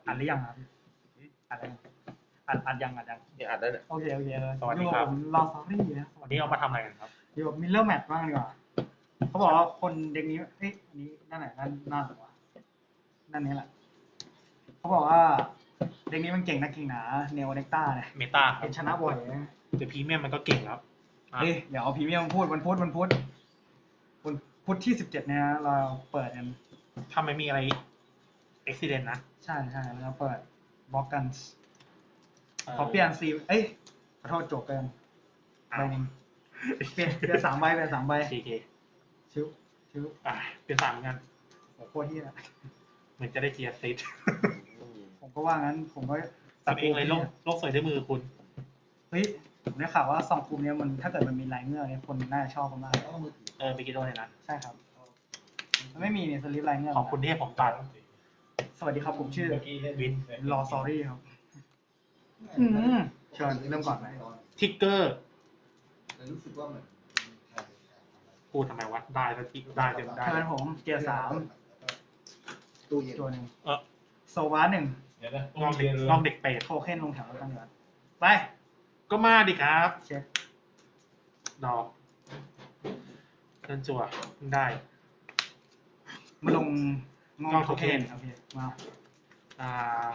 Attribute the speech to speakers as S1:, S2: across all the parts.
S1: อัดหรือยังครับอัดแล้วอัดยัง
S2: เนี่ยอัดได้เนี่ย
S1: โอเคเลย
S3: สวัสดีครับ
S1: ผมรอซอรี่นะ
S3: วันนี้เรามาทำอะไรกันครับ
S1: เดี๋ยวมิลเลอร์แมทบ้างดีกว่าเขาบอกว่าคนเด็กนี้เอ้ยอันนี้นั่นไหนนั่นหรอวะนั่นนี้แหละเขาบอกว่าเด็กนี้มันเก่งนะเก่งหนาเนโอเน็กต้าเนี่ย
S3: เมตาครั
S1: เป็
S3: บ
S1: นชนะบ่อยนะ
S3: แต่พรีเมียมมันก็เก่งแล้วอ่ะ
S1: เฮ้ยเดี๋ยวเอาพรีเมียมพูดวันพุธที่17เนี่ยเราเปิดกัน
S3: ถ้าไม่มีอะไรอุบิเหตุนะ
S1: ใช่แล้วเปิดบล็อกกันขอเปลี่ยนซีเอ้ยขอโทษโจกเกินใบหนึงเปลี่ยน3 ใบเป็น3 ใบ
S3: 4K
S1: ชิว
S3: เป็น3เหมือนกัน
S1: โอ้โหโคตรเฮีย
S3: เหมือนจะได้เจียร์ซิต
S1: ผมก็ว่างั้นผมก็
S3: ทำเองเลยโลกสวยด้วยมือคุณ
S1: เฮ้ยผมได้ข่าวว่าซองกลุ่มเนี้ยมันถ้าเกิดมันมีลายเงือกเนี่ยคนน่าจะชอบกันมาก
S3: ไปกินโดนเลยนะ
S1: ใช่ครับมันไม่มีเนี่ยสลิปลายเงือก
S3: ขอบคุณที่ให้ผมตัด
S1: สวัสดีครับผมชื่อ
S3: วิน
S1: รอซอรี่ครับเชิญเริ่มก่อนไหม
S3: ทิกเกอร์
S4: รู้สึกว่าเหมือน
S3: พูดทำไมวะได้แล้วที่ได้เต็มได้
S1: เชิญผมเกียร์3
S4: ตู้เย็น
S1: ตัวหนึ่ง
S3: เออ
S1: โซวา1
S3: ลองเด็กเปรต
S1: โทเค็นลงแถวแล้วกันเดี๋ยวไป
S3: ก็มาดิครับ
S1: เช็ค
S3: ดอกเดินจั่วเพิ่งได้
S1: มาลงงอโทเค็นโอเคมา
S3: อ่า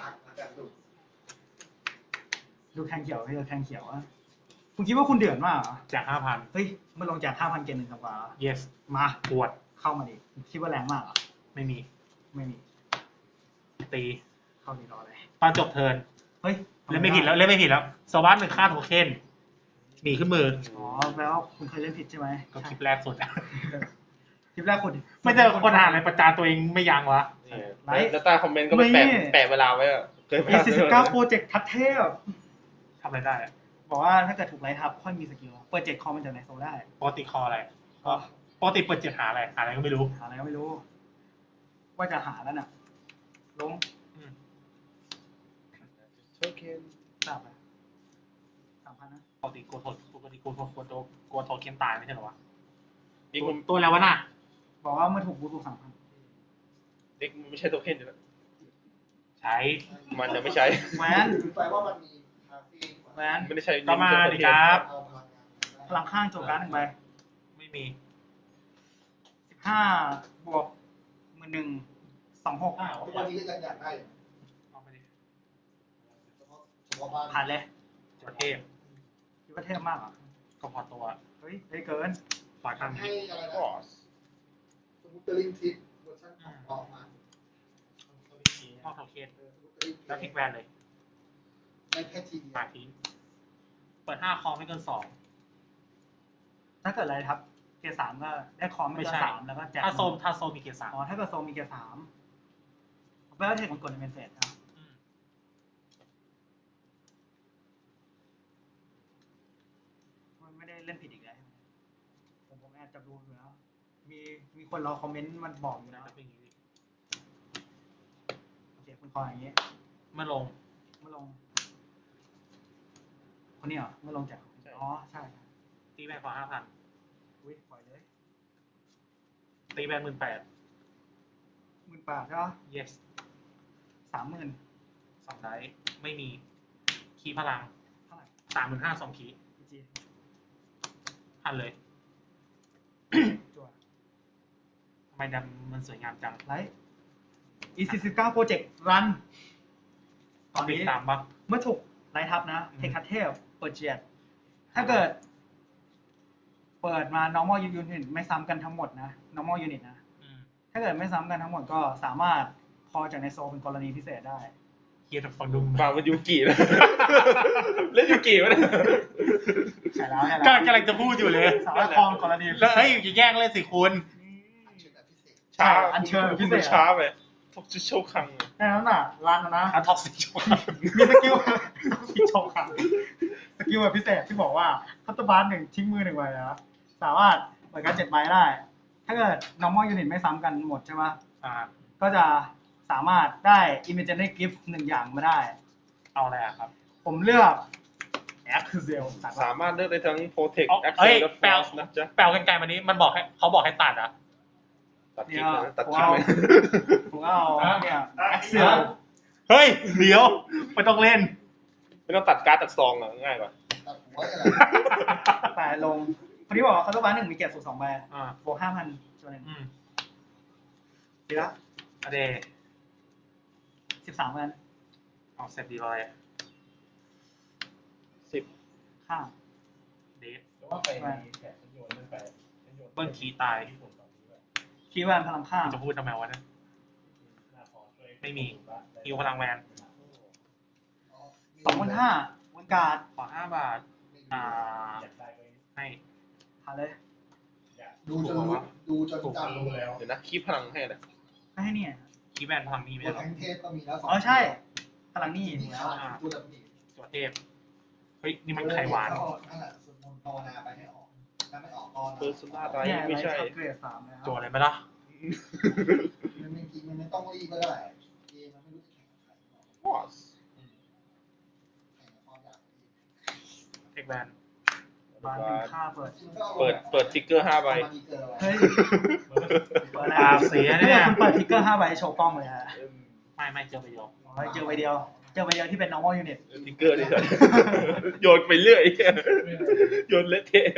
S1: ดูแทงเขียวพี่แทงเขียวอะคุณคิดว่าคุณเดือดมากเหรอ
S3: จาก 5,000
S1: เฮ้ยมาลงจาก 5,000 เกณฑ์1 สัปดาห์
S3: yes
S1: มา
S3: ปวด
S1: เข้ามาดิคิดว่าแรงมากเหรอ
S3: ไม่มี
S1: ไม่มี
S3: ตี
S1: เข้าดีรอเลย
S3: ตอนจบเทิร์น
S1: เฮ้ย
S3: เล่นไม่ผิดแล้วสวัสด1ค่าโทเค็นหนีขึ้นมือ
S1: อ๋อแปลว่าคุณเคยเล่นผิดใช่ไหม
S3: ก็คลิปแรกสุดอะ
S1: คลิปแรกคุณ
S3: ไม่เจอคนอ่านในประจานตัวเองไม่ยั้งวะ
S2: แล้วใต้คอมเมนต์ก็ไปแปะเวลาไว้อะเคย
S1: A49 โปรเจกต์ทัดเทพ
S3: ทำอะไรได้อะ
S1: บอกว่าถ้าเกิดถูกไลท์ทับค่อยมีสกิลเปิด7 คอมมันจากไหนโซได้
S3: ปกติคออะไรปกติเปิด7หาอะไรก็ไม่รู้
S1: หาอะไรก็ไม่รู้ ว่าจะหาแล้วน่ะ ลง
S3: อืม
S2: โอเค
S1: ทราบไหม3,000นะ
S3: ปกติโกโทเค็นตายไม่ใช่เหรอวะ
S2: นี่คุณ
S3: ตัวแล้ววะน่ะ
S1: บอกว่าเมื่อถูกบูทู3,000
S2: เด็กมันไม่ใช่โทเค็นอยู่แล้ว
S3: ใช้
S2: มันจะไม่ใช้
S1: แหวน
S4: คือแปลว่ามันมีคาเฟ่
S1: แหวน
S2: ไม่ได้ใช้
S3: ก็มาดิครับ
S4: เอาพลังงาน
S1: พลังข้างโจการ์ด1 ใบ
S3: ไม่มี
S1: 15 บวก1126
S4: ทุกวันนี้ก็ยังอยากได้อยู่
S3: เอาไปดิ
S4: เฉพาะบ้าน
S1: ผ่านเลย
S3: จดเทพ
S1: คิดว่าเทพมากเหรอ
S3: ก็พอตัว
S1: เฮ้ยได้เกิน
S3: ปล่อยข้าง
S4: ให้
S3: นี้
S4: อะไร
S2: ก็
S4: นะสมุตเตอร์ลิงทิปเวอร์ชันของออกมา
S3: นอกโทเค็น
S4: สมุตเตอร์ลิง
S3: แล้วทิกแวนเลย
S4: ไม่แค่ทีเดียว
S3: ปาทิ้งเปิด5คอไม่เกิน2
S1: ถ้าเกิดอะไรทับเกียร์3ก็ได้คอมไม่เกิน3แล้วก็แจก
S3: ถ้าโซมีเกียร์
S1: อ๋อถ้าเกิดโซมีเกียร์3แปลว่าเทคมันกดในเมนเฟสนะ มันไม่ได้เล่นผิดอีกแล้วผมแอบจับดูอยู่แล้วมีคนรอคอมเมนต์มันบอกอยู่
S3: น่า
S1: นะ
S3: จะเป็นอย่างนี้
S1: โอเคคุณคออย่างนี้
S3: เมื่อลง
S1: มาลง คนนี้เหรอมาลงจากอ๋อใช่
S3: ตีแบนขอ5,000
S1: อุ้ยปล่อยเลย
S3: ตีแบน18,000
S1: 18,000ใช่ปะ
S3: yes
S1: 30,000
S3: 2 ได้ไม่มีคีย์พลัง
S1: เท่าไหร่
S3: 35,000 2คีย์
S1: พีจี
S3: พันเลย
S1: จั่ว
S3: ทำไมดำมันสวยงามจัง
S1: ไลท์ E49 โปรเจกต์รันตอนนี้
S3: ตามบัฟ
S1: เมื่อถูกไลท์ทับนะ
S3: อืม
S1: เทคคัทเทลเปิดเจียดถ้าเกิด เปิดมา normal unit ไม่ซ้ำกันทั้งหมดนะ normal unit นะ ถ้าเกิดไม่ซ้ำกันทั้งหมดก็สามารถคอจากในโซเป็นกรณีพิเศษได้
S3: เฮียแต่ฟังดุม
S2: ฟังมันยูกินะเล่นยูกิวะเนี่ย
S1: ใช่แล้ว
S3: กำลังจะพูดอยู่เลย
S1: สามารถคอเป็นกรณีพิ
S3: แล้ว
S1: เศ
S3: เฮ้ย
S1: ษ
S3: อย่าแย่งเลยสิคุณ
S4: เชิญแบบพิเศษ
S2: ช้า
S1: อันเชิญพิ
S2: พิ
S1: เศ
S2: เศ
S1: ษ
S2: ษช้าไปพวกจะโชว์คัง
S1: แค่นั้นน่ะรันนะ
S3: อันท็อกซิช
S1: มีสกิลที่โชว์ครับสกิลแบบพิเศษที่บอกว่าคัตเตอร์บาร์1ทิ้งมือ1ใบนะสามารถเปิดการ7 ใบได้ ถ้าเกิด normal unit ไม่ซ้ำกันหมดใช่ไหม ก็จะสามารถได้ imaginary gift 1 อย่างมาได้
S3: เอาอะไรอะครับ
S1: ผมเลือก Axel ตัด
S2: สามารถเลือกได้ทั้ง Protect
S3: เอ้
S2: Access
S3: ย
S2: และ
S3: แปล
S2: Force นะจ๊ะ
S3: แปลกันไกลมานี้มันบอกให้เขาบอกให้ตัดอะ
S2: ตัดคลิปเลยนะตัดคลิปเลย
S1: ผมก็เอาเนี่ย Axel
S3: เฮ้ยเดี๋ยวไม่ต้องเล่น
S2: ไม่ต้องตัดการ์ดตัดซองอ่ะง่ายกว่า
S4: ตัดหัวอะไร
S1: แต่ลงพอดีบอกว่าคาร์ดบ้านหนึ่งมีเกียรติสูง2 ใบ
S3: อ่า
S1: บวก5,000ตัวหนึ่ง ดีละ
S3: อเดย์
S1: 13 พัน
S3: เอาเสร็จดีเลย
S2: 10
S1: ข้าม
S3: เดท
S5: แต่ว่าไปแขกฉันโยนเล่นไปฉันโยน
S3: เบิ้ลคีย์ตาย
S5: ที่ผมตอนนี้แบบ
S1: คีย์แวนพลังข้าม
S3: จะพูดทำไมวะเนี่ย
S5: หน้าขอช่วย
S3: ไม่มีฮิวพลังแวน
S1: 25,000วันการ์ด
S3: ขอ5 บาท อ่า
S5: อยากได้ไป
S3: ให้
S1: ผ่านเลย
S5: อยาก
S4: ดูจนรู้ดูจนจำ
S5: รู้แล้ว
S2: เดี๋ยวนะคีบพลังให้นะ
S1: ไม่ให้เนี่ย
S3: คีย์แวนพลังนี้ไม่
S4: ตัว
S3: ได้หรอ
S4: แทงเทพก็มีแล้ว
S1: อ๋อใช่ พลังนี่
S4: นี่
S1: แล้
S4: แล้ว วตัวแบบนี้
S3: ตัวเทพ เฮ้ย นี่มันไข่หวาน
S4: นั่นแหละสวดมนต์ภาวนาไปให้ออกถ้าไม่ออกก็
S2: เปอร์ซูน่าไร
S1: เนี่ย
S2: ไม่ใช่
S1: ไลท์เกรด3แล้ว
S3: ตัวอะไรไหมล่ะ
S4: มันจริงมันไม่ต้องรีบก็ได้เกมมันไม่รู้จะแข่งกับใคร
S2: วอส
S4: แข่งกับความอยาก
S3: เทคแวน
S1: บ้านหนึ่งค่าเปิด
S2: เปิดติ๊กเกอร์5 ใบ
S1: เฮ้ย เปิด
S3: ตาเสียเนี่ย
S1: คุณเปิดทิกเกอร์5 ใบโชว์กล้องเลยฮะ
S3: ไม่เจอไปเดียว
S1: อ๋อเจอใบเดียว เจอใบเดียวที่เป็น normal unit
S2: ติ๊กเกอร์นี่โยนไปเรื่อยโยนเละเทะ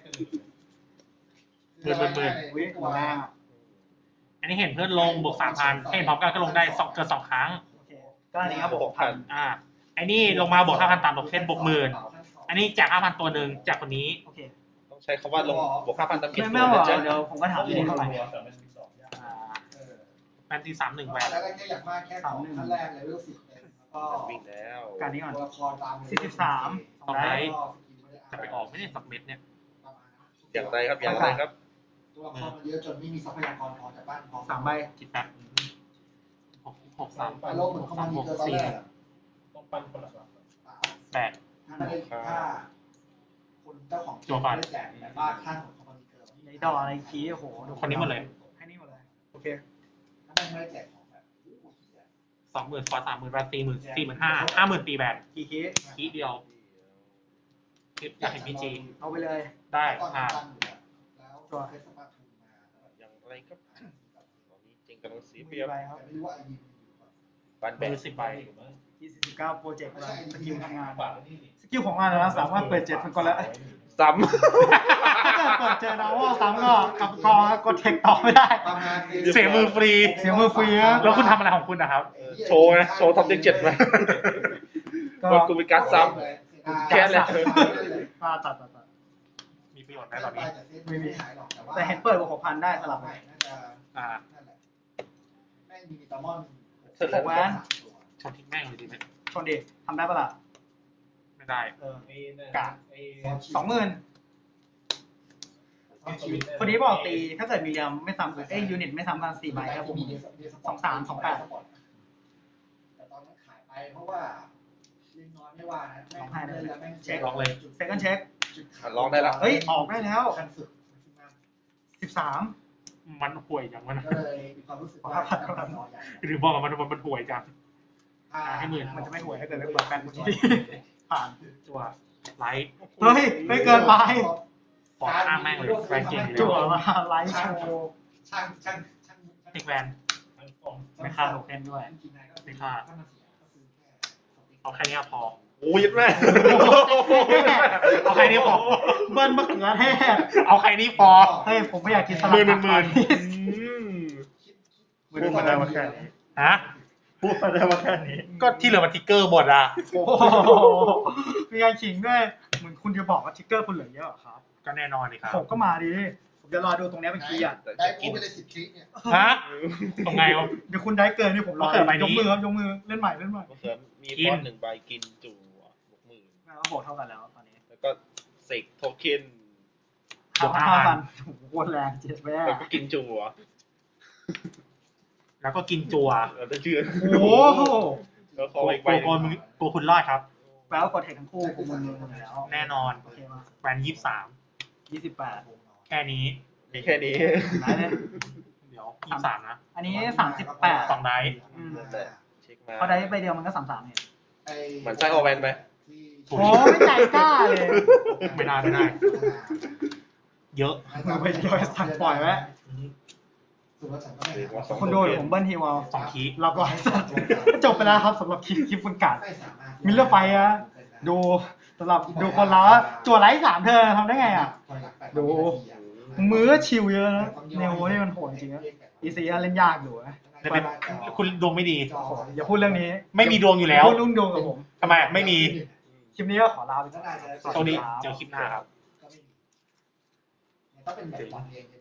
S1: วิมาแรงอ่ะ
S3: อันนี้เห็นเพื่อนลงบวก 3,000 เห็นพร้อมกันก็ลงได้เกิน 2 ครั้ง
S1: โอเค ก็อันนี้ครับผมพัน
S3: อ่าไอ้นี่ลงมาบวก 5,000 ตามโทเค็นบวก 10,000 อันนี้แจก 5,000 ตัวหนึ่งจากคนนี้
S1: โอเค
S2: ต้องใช้คำว่าลงบวก5,000ตามเก็บ
S1: ไม่
S2: ตัว
S1: ไม่หร
S2: นะ
S1: อก
S2: จ๊ะ
S1: เดี๋ยวผมก็ถามที่นี่เท่าไหร่
S5: แต่มันมีสองอย่าง
S3: อ่าแฟนตี31แวน
S4: แล้วก็แค่อยากมากแค่ของขั้นแรกเลยเวล10เต็มแล้วก็
S2: วิ่งแล้ว
S1: การนี้ก่อน
S4: ตัวละครตาม
S1: 43
S3: สองไดส์จะไปออกไม่ได้สับเม็ดเนี่ย
S2: อย่างไรครับอย่างไรครับ
S4: ตัวละครมันเยอะจนไม่มีทรัพยากรพอจากบ้านพอ
S1: 3 ใบ
S3: คิดแบบ6 3
S4: โลกเหมือนเขามามีเกินตอนแรก
S5: ต้องปั้นคนละสอง
S3: 8
S4: ถ้าไม่ได้ค่าคนเจ้าของได้แจกแต่ว่าค่าของเขามีเกิน
S1: ในดอในคีย์โอ้โหดู
S3: คนนี้หมดเลย
S1: ให้นี่หมดเลย โอเค
S4: ถ้าไม่ได้แจกของแบบ
S3: 20,000 ฟอร์30,000 แวน45,000 50,000 ตีแบน
S1: กี่คีย์
S3: คีเดียวอยากเห็นพีจี
S1: เอาไปเลย
S3: ได้
S4: ตอน
S3: อ่า
S4: ตั้งอยู่แล้วตัวเฟสปาทูมา
S2: อย่างไรครับตอนนี้จริงกำลังเสียเป
S1: มี
S2: รียบ
S1: ใบครับ
S4: ไม่รู้ว่าไอ้ยิมอยู่ก่อน
S2: บ้านแบ
S3: มื
S2: บ
S3: อ10 ใบ
S1: 29โปรเจกต์สกิลทำงาน
S5: ฝากไว้นี่ดิ
S1: สกิลของมันนะสามารถเปิด7 เป็นคนละ
S2: ซ้
S1: ถ้าเกิดเปิดเจอ normal ซ้ำก็กลับกองกดเทคต่อไม่ได้
S4: ประมาณ
S3: เสียมือฟรี
S1: เสียมือฟรีนะ
S3: แล้วคุณทำอะไรของคุณนะครับ
S2: ำโชว์นะโชว์ท็อปเด็ก7ไหม
S1: ก็
S2: ว่ากูมีการดซ้ แค่แหละ
S1: ตัด
S3: มีประโยชน์ไหมตอนนี้
S1: แต่เห็นเปิดบวก6,000ได้สลับไหม
S4: น่าจะ
S3: อ่า
S4: นั่นแหละแม่งมีมิตามอน
S1: แวน
S3: ชนทิ้งแม่งเลยดีไหม
S1: ชนดิทำได้ปะล่ะ
S3: ไม่ได้
S1: เออ
S5: ไอ้นั่น
S1: กะ
S5: ไอ้
S1: 20,000พอดีบอกตีถ้าเกิดมีเรียมไม่ซ้ำกันยูนิตไม่ซ้ำกัน4 ใบครับผม 23 28
S4: แต่ตอนนั้นขายไปเพราะว่าลิงน้อยไม่ว่านะแม่งเล่นแล้วแม่ง
S1: เช็ค
S3: ลองเลย
S1: เซคันด์เช็ค
S2: ลองได้ละ
S1: เฮ้ยออกได้แล้ว
S4: คันสุด
S1: 13
S3: มันห่วยจังวะนะ
S4: ก็เลยมีความรู้สึกว่าทำน้อยใหญ่
S3: หรือบอกว่ามันห่วยจัง ให้หมื่น
S1: มันจะไม่ห่วยถ้าเกิดไม่เปิดแฟนที่ผ่าน
S3: จั่วไลท์
S1: เฮ้ยไม่เกินไป
S3: ฟอร์ข้างแม่งเลยแวนเก่งอยู่
S1: จั่ว
S3: แล้ว
S1: มาไลฟ์โชว์
S4: ช่าง
S3: เทคแวน
S5: ทั้งสอง
S1: ไม่ค่าโทเค็นด้วย
S3: เอาแค่นี้พอ
S2: โอ้ยแม่
S3: เอาแค่นี้พอ
S1: เบิ้ลมะเขือเทศ
S3: เอาแค่นี้พอ
S1: เฮ้ยผมไม่อยากกินสลัด
S3: หมื่น
S1: พูดมาได้ว่าแค่นี้
S3: ฮะ
S1: พูดมาได้ว่าแค่นี้
S3: ก็ที่เหลือมันทิกเกอร์หมดอ่ะ
S1: โอ้โหมีการขิงด้วยเหมือนคุณจะบอกว่าทิกเกอร์คุณเหลือเยอะเหรอครับ
S3: ก็แน่นอนเลยครับ
S1: ผมก็มาดิผมจะรอดูตรงนี้เป็นคีย์อ่ะ
S4: ได้พูดไปเลย10 คลิปเนี่ย
S3: ฮะตรงไงวะ
S1: เดี๋ยวคุณได้เกินนี่ผมรอ
S3: มะเขือใบนี้
S1: ยกมือครับยกมือเล่นใหม่
S2: มะเขือมี
S3: กิ
S2: ฟ
S3: น
S2: อนต์1 ใบกินจู่บวก10,000
S1: แล้วบอกเท่ากันแล้วตอนนี้
S2: แล้วก็เสกโทเค็น
S3: บวก
S1: 5,000โอ้โหโคตรแรงเจ็ดแม่
S2: แล้วก็กินจู่
S3: แล้วก็กินจัว
S2: เราจะเชื่อ
S1: โอ้โห
S2: แล้ว
S3: โก
S2: ขออีก
S3: โก
S2: ใบห
S3: โก
S2: นึ่ง
S3: โกคุณรอดครับ
S1: แปลว่ากดเทคทั้งคู่กูมึนๆแล้ว
S3: แน่นอน
S1: โอเคมา
S3: แวน23
S1: 28
S3: แค่นี้
S2: มีแค่นี้
S1: ไหนเลย
S3: เดี๋ยว23นะ
S1: อันนี้38
S3: สองไดส์
S1: อืม
S2: แต่เช็คมา
S1: พอได้ใบเดียวมันก็33เนี่ย
S2: เหมือนไส้โอแวนไป
S1: โอ้ไม่ใจกล้าเลย
S3: ไม่ได้ เยอะ
S1: มือใบเดียวสั่งปล่อยไว้
S4: สุดว่าฉันก็ไม่
S1: คุณโดนผมเบิ้ลทีวอล
S3: สองคี
S1: เราก็จบไปแล้วครับสำหรับคลิปฟุนการ์ด
S4: ไม่สามารถ
S1: มิลเลอร์ไฟอะดูสำหรับดูคนเราอะจั่วไลท์3 เธอทำได้ไงอะดูมือก็ชิวเยอะนะเนโวนี่มันโหดจริงนะอีซีเล่นยากอยู่นะ
S3: แต่เป็นคุณดวงไม่ดี
S1: โอ้โหอย่าพูดเรื่องนี้
S3: ไม่มีดวงอยู่แล้ว
S1: พูดรุ่งดวงกับผม
S3: ทำไมไม่มี
S1: คลิปนี้ก็ขอลาไปก่อน
S3: โชคดีเจอคลิปหน้าครับ
S4: ก็ไม่มีต้องเป็นแบบวันเอง